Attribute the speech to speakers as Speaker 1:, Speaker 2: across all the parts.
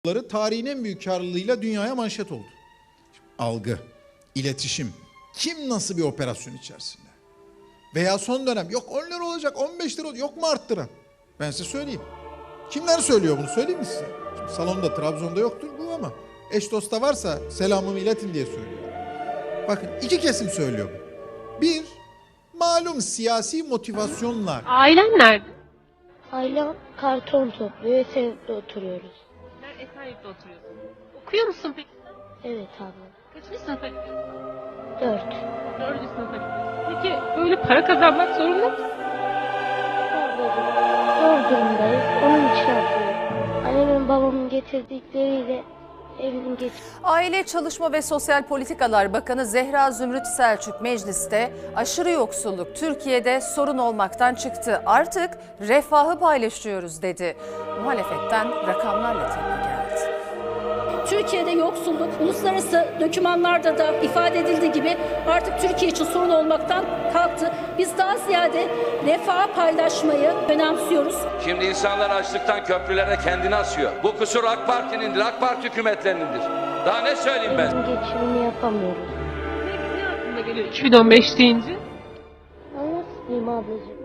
Speaker 1: Tarihin en büyük karlılığıyla dünyaya manşet oldu. Algı, iletişim, kim nasıl bir operasyon içerisinde? Veya son dönem yok 10 lira olacak, 15 lira olacak, yok mu arttıran? Ben size söyleyeyim. Kimler söylüyor bunu, söyleyeyim mi size? Şimdi salonda, Trabzon'da yoktur bu ama eş dosta varsa selamımı iletin diye söylüyorum. Bakın iki kesim söylüyor bu. Bir, malum siyasi motivasyonlar.
Speaker 2: Ailen nerede?
Speaker 3: Ailem karton topluyor, Esenyurt'ta oturuyoruz.
Speaker 2: Sen Esenyurt'ta oturuyorsun. Okuyor musun peki?
Speaker 3: Evet abla.
Speaker 2: Kaçıncı sınıfa gidiyorsun?
Speaker 3: 4.
Speaker 2: 4. sınıfa gidiyorsun. Peki böyle para kazanmak zorunda mısın?
Speaker 3: Ablacığım, zor durumdayız. Onun için yapıyorum. Annemin babamın getirdikleriyle evimin
Speaker 4: Aile, Çalışma ve Sosyal Politikalar Bakanı Zehra Zümrüt Selçuk mecliste aşırı yoksulluk Türkiye'de sorun olmaktan çıktı. Artık refahı paylaşıyoruz dedi. Muhalefetten rakamlarla tepki geldi.
Speaker 5: Türkiye'de yoksulluk uluslararası dokümanlarda da ifade edildiği gibi artık Türkiye için sorun olmaktan kalktı. Biz daha ziyade refah paylaşmayı önemsiyoruz.
Speaker 6: Şimdi insanlar açlıktan köprülere kendini asıyor. Bu kusur AK Parti'nindir, AK Parti hükümetlerindir. Daha ne söyleyeyim ben?
Speaker 3: geçimini yapamıyoruz.
Speaker 2: Ne aklına geliyor 2015 deyince?
Speaker 3: Nasıl diyeyim ablacığım?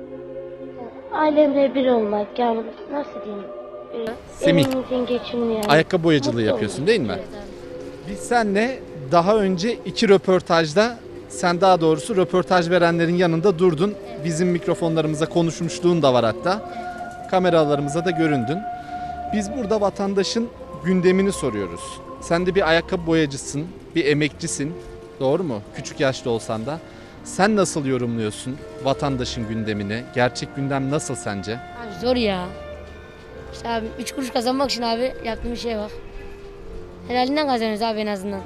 Speaker 3: Ailemle bir olmak, yani nasıl diyeyim?
Speaker 7: Semih,
Speaker 3: Evimizin geçimini yani.
Speaker 7: ayakkabı boyacılığı
Speaker 3: Mutlu
Speaker 7: yapıyorsun
Speaker 3: olmak.
Speaker 7: değil mi?
Speaker 3: Evet abi.
Speaker 7: Biz seninle daha önce 2 röportajda, sen daha doğrusu röportaj verenlerin yanında durdun. Bizim mikrofonlarımıza konuşmuşluğun da var hatta. Kameralarımıza da göründün. Biz burada vatandaşın gündemini soruyoruz. Sen de bir ayakkabı boyacısın, bir emekçisin. Doğru mu? Küçük yaşta olsan da. Sen nasıl yorumluyorsun vatandaşın gündemini? Gerçek gündem nasıl sence?
Speaker 8: Abi zor ya. İşte abi 3 kuruş kazanmak için abi yaptığım şeye bak. Helalinden kazanıyoruz abi en azından.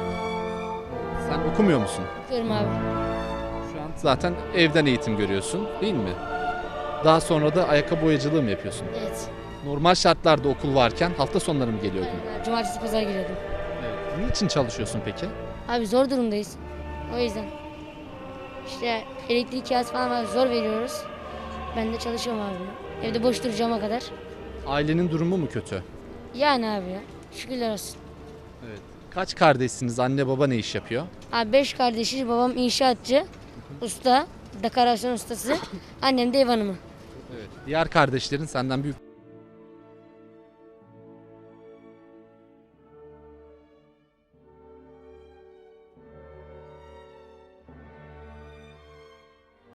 Speaker 7: Sen okumuyor musun?
Speaker 8: Okuyorum abi.
Speaker 7: Şu an zaten evden eğitim görüyorsun değil mi? Daha sonra da ayakkabı boyacılığı mı yapıyorsun?
Speaker 8: Evet.
Speaker 7: Normal şartlarda okul varken hafta sonları mı geliyordun?
Speaker 8: Aynen abi. Cumartesi pazar giriyordum.
Speaker 7: Evet. Niçin çalışıyorsun peki?
Speaker 8: Abi zor durumdayız. O yüzden. İşte elektrik kirası falan var, zor veriyoruz. Ben de çalışıyorum abi. Evde boş duracağıma kadar.
Speaker 7: Ailenin durumu mu kötü?
Speaker 8: Yani abi ya. Şükürler olsun.
Speaker 7: Evet. Kaç kardeşsiniz? Anne baba ne iş yapıyor?
Speaker 8: Abi 5 kardeşiz. Babam inşaatçı, usta, dekorasyon ustası. Annem de ev hanımı.
Speaker 7: Evet. Diğer kardeşlerin senden büyük